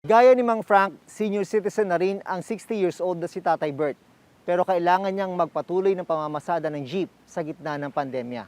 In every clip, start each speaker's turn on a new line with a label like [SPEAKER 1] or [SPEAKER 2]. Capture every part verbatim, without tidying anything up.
[SPEAKER 1] Gaya ni Mang Frank, senior citizen na rin ang sixty years old na si Tatay Bert. Pero kailangan niyang magpatuloy ng pamamasada ng jeep sa gitna ng pandemya.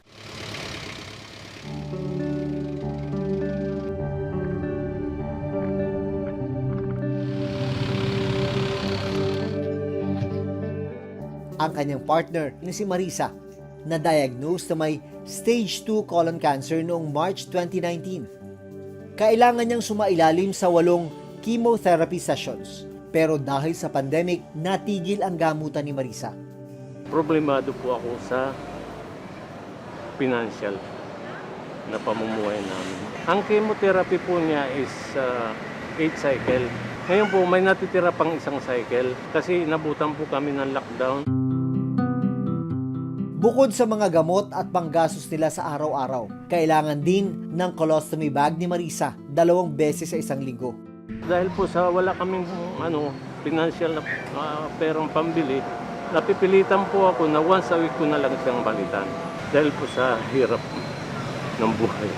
[SPEAKER 1] Ang kanyang partner na si Marisa, na-diagnose na may stage two colon cancer noong March twenty nineteen. Kailangan niyang sumailalim sa walong chemotherapy sessions. Pero dahil sa pandemic, natigil ang gamutan ni Marisa.
[SPEAKER 2] Problemado po ako sa financial na pamumuhay namin. Ang chemotherapy po niya is uh, eight cycle. Ngayon po may natitira pang isang cycle kasi nabutan po kami ng lockdown.
[SPEAKER 1] Bukod sa mga gamot at panggastos nila sa araw-araw, kailangan din ng colostomy bag ni Marisa dalawang beses sa isang linggo.
[SPEAKER 2] Dahil po sa wala kaming ano, financial na uh, perang pambili, napipilitan po ako na once a week ko na lang siyang balitan. Dahil po sa hirap ng buhay.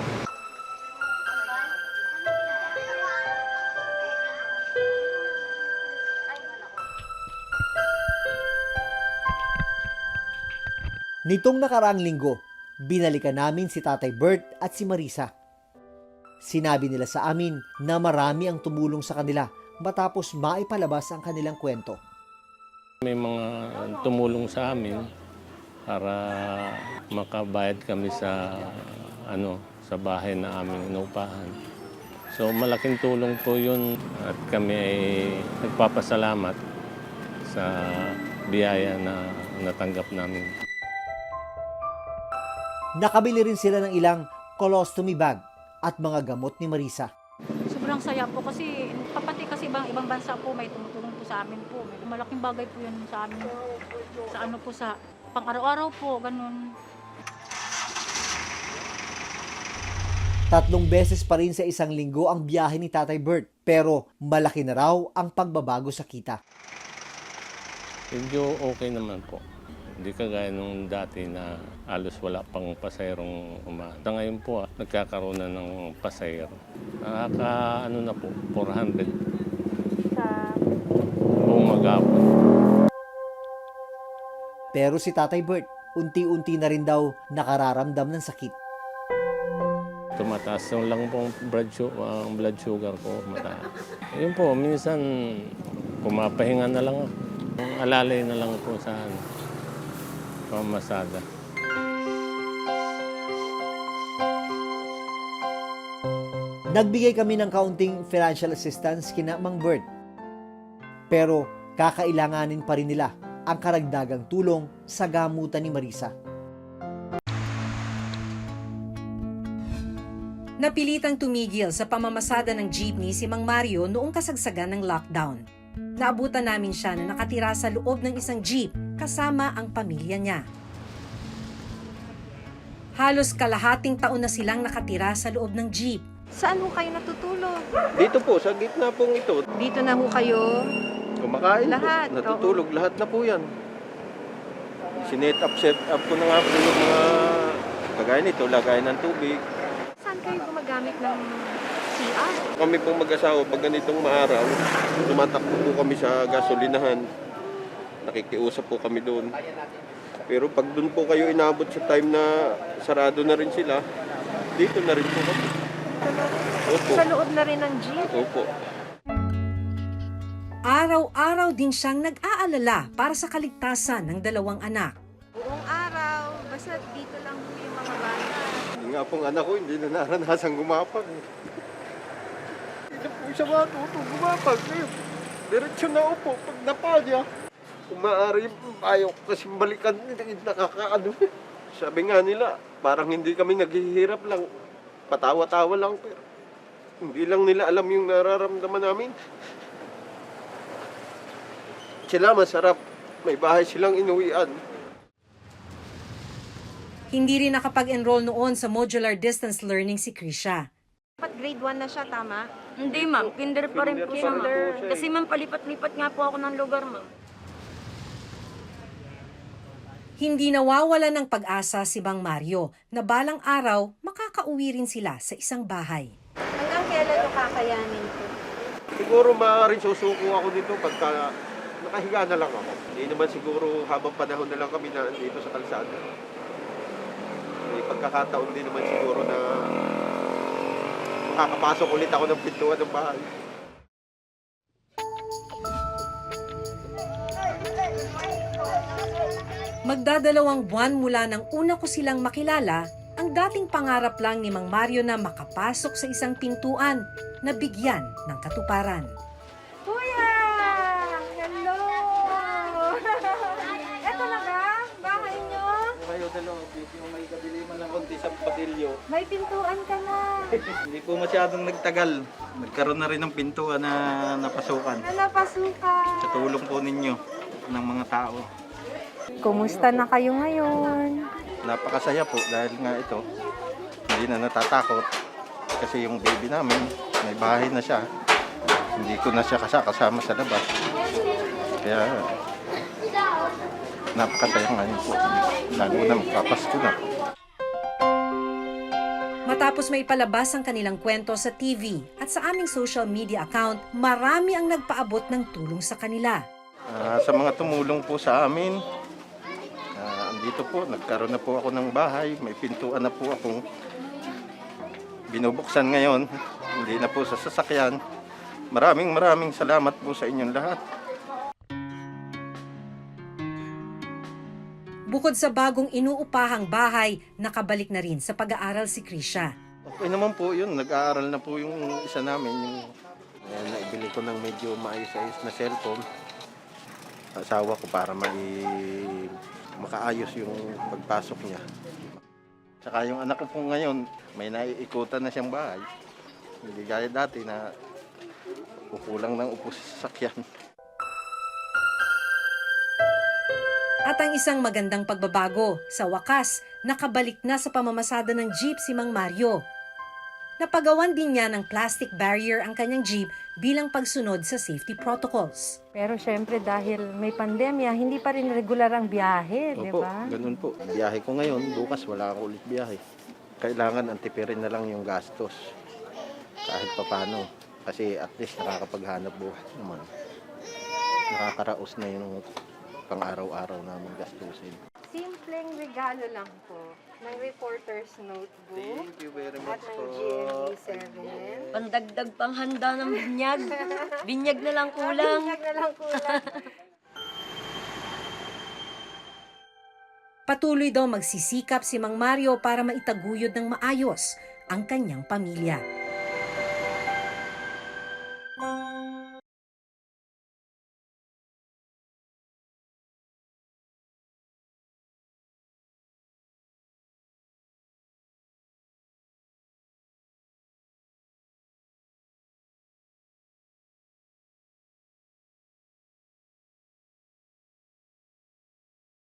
[SPEAKER 1] Nitong nakaraang linggo, binalikan namin si Tatay Bert at si Marisa. Sinabi nila sa amin na marami ang tumulong sa kanila matapos maipalabas ang kanilang kwento.
[SPEAKER 2] May mga tumulong sa amin para makabayad kami sa ano sa bahay na aming inupahan. So malaking tulong po yun at kami ay nagpapasalamat sa biyaya na natanggap namin.
[SPEAKER 1] Nakabili rin sila ng ilang colostomy bag at mga gamot ni Marisa.
[SPEAKER 3] Sobrang saya po kasi kapati kasi ibang ibang bansa po may tumutulong po sa amin po. Malaking bagay po yun sa amin. Sa ano po sa pang-araw-araw po, ganun.
[SPEAKER 1] Tatlong beses pa rin sa isang linggo ang biyahe ni Tatay Bert, pero malaki na raw ang pagbabago sa kita.
[SPEAKER 2] Medyo okay naman po. Hindi kagaya nung dati na halos wala pang pasayrong umaata. Ngayon po, ah, nagkakaroon na ng pasayro. Nakaka, ano na po, four hundred.
[SPEAKER 3] Sa
[SPEAKER 2] Buong maghapon.
[SPEAKER 1] Pero si Tatay Bert, unti-unti na rin daw nakararamdam ng sakit.
[SPEAKER 2] Tumataas yung lang po ang blood, su- ang blood sugar ko. Mataas. Yun po, minsan pumapahinga na lang ako. Alalay na lang po sa ano, pamamasada.
[SPEAKER 1] Nagbigay kami ng kaunting financial assistance kina Mang Bert. Pero kakailanganin pa rin nila ang karagdagang tulong sa gamutan ni Marisa.
[SPEAKER 4] Napilitang tumigil sa pamamasada ng jeepney si Mang Mario noong kasagsagan ng lockdown. Naabutan namin siya na nakatira sa loob ng isang jeep kasama ang pamilya niya. Halos kalahating taon na silang nakatira sa loob ng jeep.
[SPEAKER 5] Saan ho kayo natutulog?
[SPEAKER 6] Dito po, sa gitna pong ito,
[SPEAKER 5] Dito na ho kayo.
[SPEAKER 6] kumakain
[SPEAKER 5] Lahat,
[SPEAKER 6] po, natutulog, lahat na po yan. Sinet up, set up ko na nga po yung mga kagaya nito, lagayan ng tubig.
[SPEAKER 5] Saan kayo gumagamit ng C R?
[SPEAKER 6] Kami pong mag-asawa, pag ganitong maaraw, tumatakbo po kami sa gasolinahan. Nakikiusap po kami doon. Pero pag doon po kayo inabot sa time na sarado na rin sila, dito na rin po kami. Opo.
[SPEAKER 5] Sa loob na rin ng jeep?
[SPEAKER 6] Opo.
[SPEAKER 4] Araw-araw din siyang nag-aalala para sa kaligtasan ng dalawang anak.
[SPEAKER 5] Buong araw, basta dito lang ho yung mga bata.
[SPEAKER 6] Hindi nga pong anak ko, hindi na naranasan gumapag. Hindi na po siya matuto gumapag. Eh, Diretso na upo, pag napalya. Kung maaari, ayaw ko kasi balikan, hindi nakakaano. Sabi nga nila, parang hindi kami naghihirap lang. Patawa-tawa lang, pero hindi lang nila alam yung nararamdaman namin. Sila masarap, may bahay silang inuwian.
[SPEAKER 4] Hindi rin nakapag-enroll noon sa modular distance learning si Krisha.
[SPEAKER 5] Dapat grade one na siya, tama?
[SPEAKER 7] Hindi ma'am, kinder pa rin po siya ma'am.
[SPEAKER 6] Kinder pa rin po siya eh.
[SPEAKER 7] Kasi ma'am, palipat-lipat nga po ako ng lugar ma'am.
[SPEAKER 4] Hindi nawawala ng pag-asa si Mang Mario na balang araw makakauwi rin sila sa isang bahay.
[SPEAKER 5] Hanggang kailan ito kakayanin ko?
[SPEAKER 6] Siguro maaaring susuko ako dito pagka nakahiga na lang ako. Hindi naman siguro habang panahon na lang kami na dito sa kalsada. May pagkakataon din naman siguro na makakapasok ulit ako ng pintuan ng bahay.
[SPEAKER 4] Magdadalawang buwan mula nang una ko silang makilala, ang dating pangarap lang ni Mang Mario na makapasok sa isang pintuan na bigyan ng katuparan.
[SPEAKER 5] Kuya! Hello! Eto na ba? Bahay nyo?
[SPEAKER 8] Kayo dalawa, yung may kadiliman ng konti sa patilyo.
[SPEAKER 5] May pintuan ka na.
[SPEAKER 8] Hindi po masyadong nagtagal. Nagkaroon na rin ng pintuan na napasukan.
[SPEAKER 5] Na napasukan.
[SPEAKER 8] Sa tulong po ninyo ng mga tao.
[SPEAKER 5] Kumusta na kayo ngayon?
[SPEAKER 8] Napakasaya po dahil nga ito, hindi na natatakot. Kasi yung baby namin, may bahay na siya. Hindi ko na siya kasama sa labas. Kaya napakasaya ngayon po. Lalo na magpapasko na.
[SPEAKER 4] Matapos may palabas ang kanilang kwento sa T V at sa aming social media account, marami ang nagpaabot ng tulong sa kanila.
[SPEAKER 8] Ah, sa mga tumulong po sa amin, ah, andito po, nagkaroon na po ako ng bahay, may pintuan na po akong binubuksan ngayon, hindi na po sa sasakyan. Maraming maraming salamat po sa inyong lahat.
[SPEAKER 4] Bukod sa bagong inuupahang bahay, nakabalik na rin sa pag-aaral si Krisha.
[SPEAKER 8] Okay naman po yun, nag-aaral na po yung isa namin, yung ayan, naibili ko ng medyo maayos-ayos na cellphone. Asawa ko para mai makaayos yung pagpasok niya. Tsaka yung anak ko po ngayon, may naiikutan na siyang bahay. Hindi gaya dati na kukulang ng upo sa sasakyan.
[SPEAKER 4] At ang isang magandang pagbabago, sa wakas, nakabalik na sa pamamasada ng jeep si Mang Mario. Napagawan din niya ng plastic barrier ang kanyang jeep bilang pagsunod sa safety protocols.
[SPEAKER 5] Pero syempre dahil may pandemya, hindi pa rin regular ang biyahe, di
[SPEAKER 8] Opo,
[SPEAKER 5] ba?
[SPEAKER 8] ganun po. Biyahe ko ngayon, bukas wala ako ulit biyahe. Kailangan antipirin na lang yung gastos. Kahit papano. Kasi at least nakakapaghanap buhay naman. Nakakaraos na yung pang-araw-araw namin gastusin.
[SPEAKER 5] Simpleng regalo lang po ng reporter's notebook
[SPEAKER 8] Thank you very
[SPEAKER 5] at
[SPEAKER 8] much
[SPEAKER 5] ng
[SPEAKER 8] po.
[SPEAKER 5] G M E seven.
[SPEAKER 7] Pandagdag pang handa ng binyag. Binyag na lang kulang.
[SPEAKER 5] Binyag na lang kulang.
[SPEAKER 4] Patuloy daw magsisikap si Mang Mario para maitaguyod ng maayos ang kanyang pamilya.